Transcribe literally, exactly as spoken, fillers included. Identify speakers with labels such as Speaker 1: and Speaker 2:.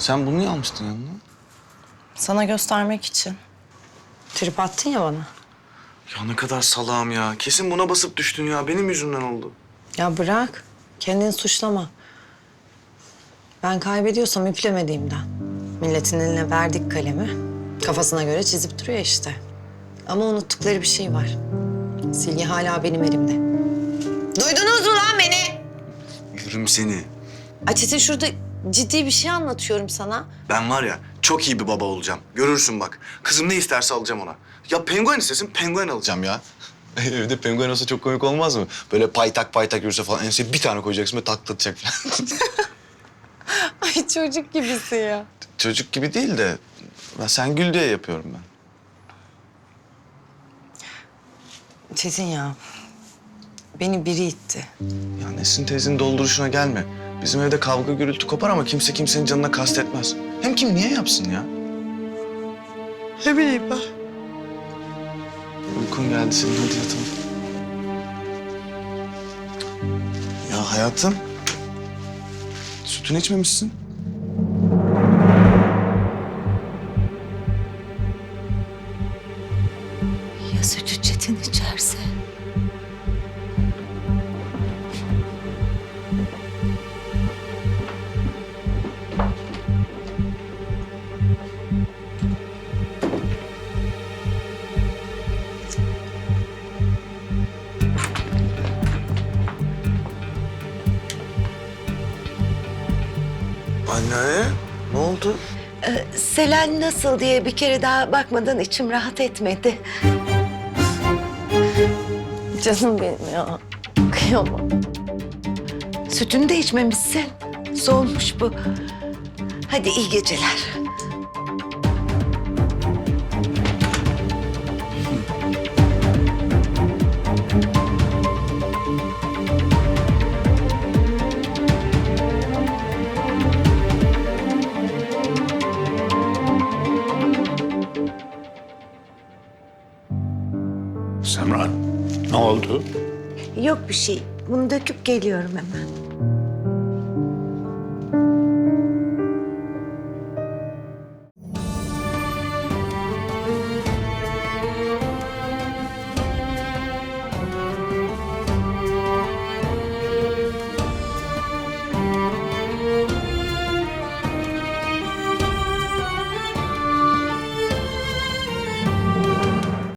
Speaker 1: Sen bunu niye almıştın yanına?
Speaker 2: Sana göstermek için. Trip attın ya bana.
Speaker 1: Ya ne kadar salağım ya. Kesin buna basıp düştün ya. Benim yüzümden oldu.
Speaker 2: Ya bırak. Kendini suçlama. Ben kaybediyorsam üplemediğimden. Milletin eline verdik kalemi. Kafasına göre çizip duruyor işte. Ama unuttukları bir şey var. Silgi hala benim elimde. Duydunuz mu lan beni?
Speaker 1: Yürüm seni.
Speaker 2: Açetin şurada ciddi bir şey anlatıyorum sana.
Speaker 1: Ben var ya çok iyi bir baba olacağım. Görürsün bak. Kızım ne isterse alacağım ona. Ya penguen istesin penguen alacağım ya. Evde penguen olsa çok komik olmaz mı? Böyle paytak paytak yürüse falan enseye bir tane koyacaksın ve taklatacak falan.
Speaker 2: Ay çocuk gibisin ya.
Speaker 1: Çocuk gibi değil de ben sen gül diye yapıyorum ben.
Speaker 2: Çetin ya. Beni biri itti.
Speaker 1: Ya Nesin teyzenin dolduruşuna gelme. Bizim evde kavga gürültü kopar ama kimse kimsenin canına kastetmez. Hem kim niye yapsın ya?
Speaker 2: Ne bileyim ben.
Speaker 1: Uykun geldi senin, hadi yatalım. Ya hayatım, sütünü içmemişsin.
Speaker 3: Ya sütü Çetin içerse?
Speaker 1: Anne, ne oldu?
Speaker 3: Ee, Selen nasıl diye bir kere daha bakmadan içim rahat etmedi.
Speaker 2: Canım benim ya. Kıyamam.
Speaker 3: Sütünü de içmemişsin. Soğumuş bu. Hadi iyi geceler.
Speaker 4: Semran, ne oldu?
Speaker 3: Yok bir şey. Bunu döküp geliyorum hemen.